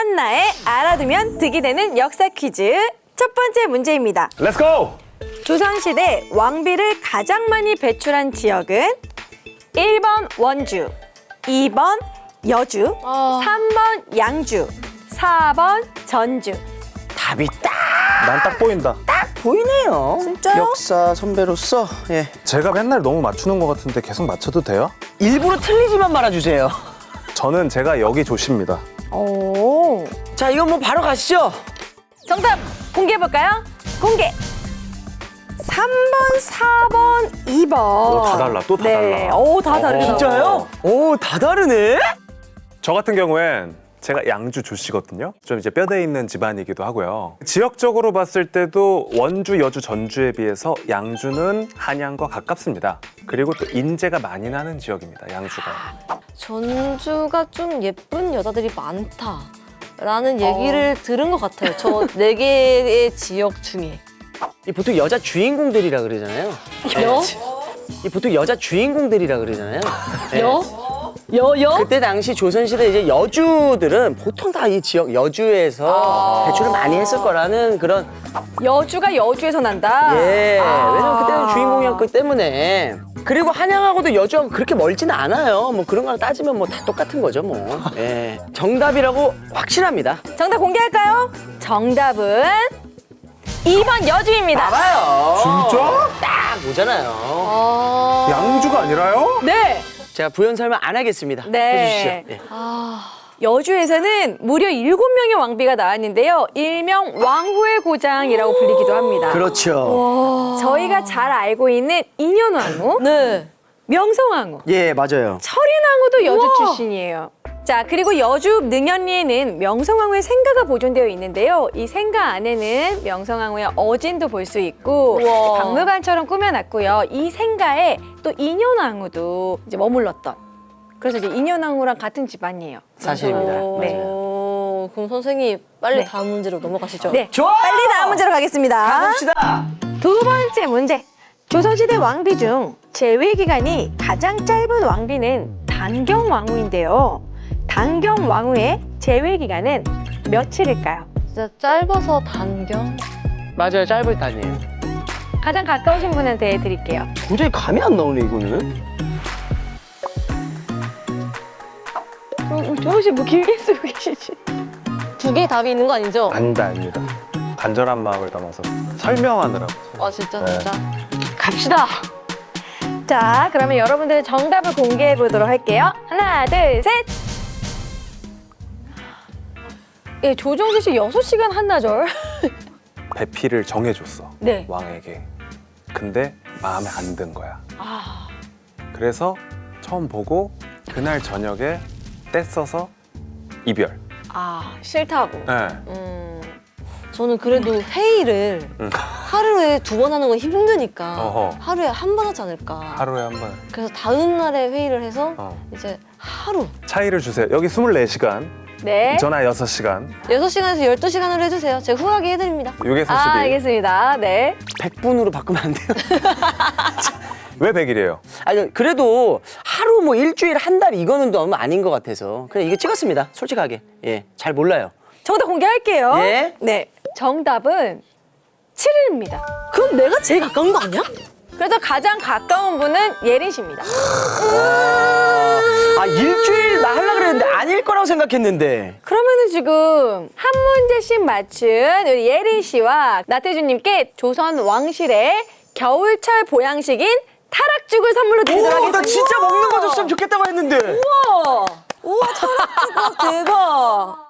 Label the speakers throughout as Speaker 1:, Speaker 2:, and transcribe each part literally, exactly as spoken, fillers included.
Speaker 1: 한나의 알아두면 득이 되는 역사 퀴즈 첫 번째 문제입니다.
Speaker 2: Let's go!
Speaker 1: 조선시대 왕비를 가장 많이 배출한 지역은 일 번 원주, 이 번 여주,
Speaker 3: 어.
Speaker 1: 삼 번 양주, 사 번 전주.
Speaker 4: 답이 딱
Speaker 2: 난 딱 보인다.
Speaker 4: 보이네요.
Speaker 1: 진짜요?
Speaker 4: 역사 선배로서 예.
Speaker 2: 제가 맨날 너무 맞추는 것 같은데 계속 맞춰도 돼요?
Speaker 4: 일부러 틀리지만 말아주세요.
Speaker 2: 저는 제가 여기 조십니다.
Speaker 1: 오.
Speaker 4: 자, 이건 뭐 바로 가시죠.
Speaker 1: 정답 공개해볼까요? 공개! 삼 번, 사 번, 이 번.
Speaker 2: 오, 다 달라, 또다
Speaker 1: 네.
Speaker 2: 달라.
Speaker 1: 오, 다 다르다.
Speaker 4: 진짜요? 오, 다 다르네.
Speaker 2: 저 같은 경우엔 제가 양주 조씨거든요. 좀 이제 뼈대 있는 집안이기도 하고요. 지역적으로 봤을 때도 원주, 여주, 전주에 비해서 양주는 한양과 가깝습니다. 그리고 또 인재가 많이 나는 지역입니다, 양주가.
Speaker 3: 전주가 좀 예쁜 여자들이 많다라는 얘기를 들은 것 같아요. 저 네 개의 지역 중에.
Speaker 4: 이 보통 여자 주인공들이라 그러잖아요.
Speaker 3: 여?
Speaker 4: 이 보통 여자 주인공들이라 그러잖아요. 예.
Speaker 3: 여? 여? 여?
Speaker 4: 그때 당시 조선시대 이제 여주들은 보통 다 이 지역 여주에서 배출을 많이 했을 거라는 그런
Speaker 1: 여주가 여주에서 난다?
Speaker 4: 예.
Speaker 1: 아.
Speaker 4: 왜냐면 그때는 주인공이었기 때문에. 그리고 한양하고도 여주하고 그렇게 멀지는 않아요. 뭐 그런 거랑 따지면 뭐 다 똑같은 거죠, 뭐. 예. 정답이라고 확실합니다.
Speaker 1: 정답 공개할까요? 정답은 이 번 여주입니다.
Speaker 4: 봐봐요.
Speaker 2: 진짜?
Speaker 4: 딱 오잖아요.
Speaker 3: 아...
Speaker 2: 양주가 아니라요?
Speaker 1: 네.
Speaker 4: 제가 부연 설명 안 하겠습니다.
Speaker 1: 네.
Speaker 4: 해주시죠. 예.
Speaker 3: 아...
Speaker 1: 여주에서는 무려 일곱 명의 왕비가 나왔는데요. 일명 왕후의 고장이라고 불리기도 합니다.
Speaker 4: 그렇죠.
Speaker 1: 저희가 잘 알고 있는 인현왕후,
Speaker 3: 네.
Speaker 1: 명성왕후,
Speaker 4: 예, 맞아요.
Speaker 1: 철인왕후도 여주
Speaker 3: 우와.
Speaker 1: 출신이에요. 자, 그리고 여주 능현리에는 명성왕후의 생가가 보존되어 있는데요. 이 생가 안에는 명성왕후의 어진도 볼 수 있고
Speaker 3: 우와.
Speaker 1: 박물관처럼 꾸며놨고요. 이 생가에 또 인현왕후도 이제 머물렀던. 그래서 이제 인현왕후랑 같은 집안이에요.
Speaker 4: 사실입니다.
Speaker 3: 오...
Speaker 4: 맞아요.
Speaker 3: 그럼 선생님 빨리
Speaker 1: 네.
Speaker 3: 다음 문제로 넘어가시죠.
Speaker 1: 네,
Speaker 4: 좋아!
Speaker 1: 빨리 다음 문제로 가겠습니다.
Speaker 4: 가봅시다.
Speaker 1: 두 번째 문제. 조선시대 왕비 중 재위 기간이 가장 짧은 왕비는 단경왕후인데요. 단경왕후의 재위 기간은 며칠일까요?
Speaker 3: 진짜 짧아서 단경.
Speaker 4: 맞아요, 짧을 때 아니에요.
Speaker 1: 가장 가까우신 분한테 드릴게요.
Speaker 4: 도저히 감이 안 나오네, 이거는.
Speaker 1: 조호 씨 뭐 길게 쓰고 계시지?
Speaker 3: 두 개의 답이 있는 거 아니죠?
Speaker 2: 아니다, 아닙니다. 간절한 마음을 담아서 설명하느라고.
Speaker 3: 아 진짜
Speaker 2: 네.
Speaker 3: 진짜.
Speaker 1: 갑시다. 자, 그러면 여러분들 정답을 공개해 보도록 할게요. 하나, 둘, 셋. 예, 조정세 씨 여섯 시간 한나절.
Speaker 2: 배필을 정해줬어.
Speaker 1: 네.
Speaker 2: 왕에게. 근데 마음에 안 든 거야.
Speaker 1: 아,
Speaker 2: 그래서 처음 보고 그날 저녁에 떼써서 이별.
Speaker 1: 아 싫다고.
Speaker 2: 네.
Speaker 3: 음, 저는 그래도 회의를
Speaker 2: 응.
Speaker 3: 하루에 두 번 하는 건 힘드니까
Speaker 2: 어허.
Speaker 3: 하루에 한 번 하지 않을까.
Speaker 2: 하루에 한 번.
Speaker 3: 그래서 다음 날에 회의를 해서
Speaker 2: 어.
Speaker 3: 이제 하루
Speaker 2: 차이를 주세요. 여기 스물네 시간,
Speaker 1: 네.
Speaker 2: 전화 여섯 시간,
Speaker 3: 여섯 시간에서 열두 시간으로 해주세요. 제가 후하게 해드립니다.
Speaker 2: 육에서
Speaker 1: 아,
Speaker 2: 십일.
Speaker 1: 알겠습니다. 네.
Speaker 4: 백 분으로 바꾸면 안 돼요?
Speaker 2: 왜 백일이에요?
Speaker 4: 아니, 그래도 하루 뭐 일주일, 한 달 이거는 너무 아닌 것 같아서. 그냥 이거 찍었습니다, 솔직하게. 예, 잘 몰라요.
Speaker 1: 정답 공개할게요.
Speaker 4: 예?
Speaker 1: 네. 정답은 칠 일입니다.
Speaker 3: 그럼 내가 제일 가까운 거 아니야?
Speaker 1: 그래서 가장 가까운 분은 예린 씨입니다.
Speaker 4: 아, 일주일 나 하려고 그랬는데 아닐 거라고 생각했는데.
Speaker 1: 그러면은 지금 한 문제씩 맞춘 우리 예린 씨와 나태주님께 조선 왕실의 겨울철 보양식인 타락죽을 선물로 드리도록
Speaker 4: 오,
Speaker 1: 하겠습니다.
Speaker 4: 나 진짜 먹는 거 줬으면 좋겠다고 했는데.
Speaker 1: 우와! 우와, 타락죽 대박!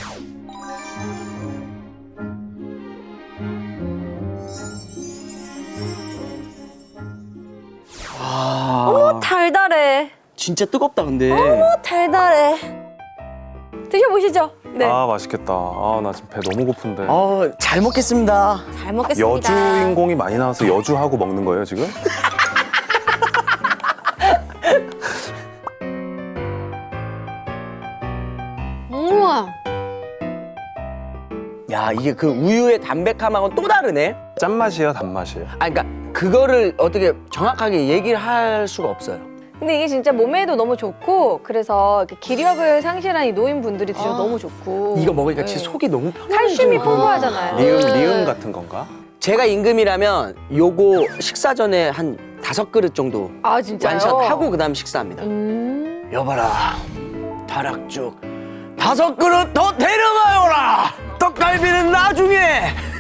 Speaker 4: 아,
Speaker 1: 오, 달달해.
Speaker 4: 진짜 뜨겁다, 근데.
Speaker 1: 오, 달달해. 드셔보시죠. 네.
Speaker 2: 아 맛있겠다. 아 나 지금 배 너무 고픈데.
Speaker 4: 어, 잘 먹겠습니다.
Speaker 1: 잘 먹겠습니다.
Speaker 2: 여주인공이 많이 나와서 여주하고 먹는 거예요 지금?
Speaker 3: 우와.
Speaker 4: 야, 이게 그 우유의 담백함하고는 또 다르네.
Speaker 2: 짠맛이에요, 단맛이에요?
Speaker 4: 아, 그러니까 그거를 어떻게 정확하게 얘기를 할 수가 없어요.
Speaker 1: 근데 이게 진짜 몸에도 너무 좋고 그래서 이렇게 기력을 상실한 이 노인분들이 드셔도
Speaker 4: 아.
Speaker 1: 너무 좋고.
Speaker 4: 이거 먹으니까
Speaker 1: 네.
Speaker 4: 진짜 속이 너무 편해져.
Speaker 1: 칼슘이 풍부하잖아요.
Speaker 2: 리음
Speaker 1: 네.
Speaker 2: 리음 같은 건가?
Speaker 4: 제가 임금이라면 요거 식사 전에 한 다섯 그릇 정도
Speaker 1: 아 진짜요?
Speaker 4: 완샷하고 그다음 식사합니다.
Speaker 1: 음.
Speaker 4: 여봐라, 타락죽 다섯 그릇 더 데려가요라. 떡갈비는 나중에.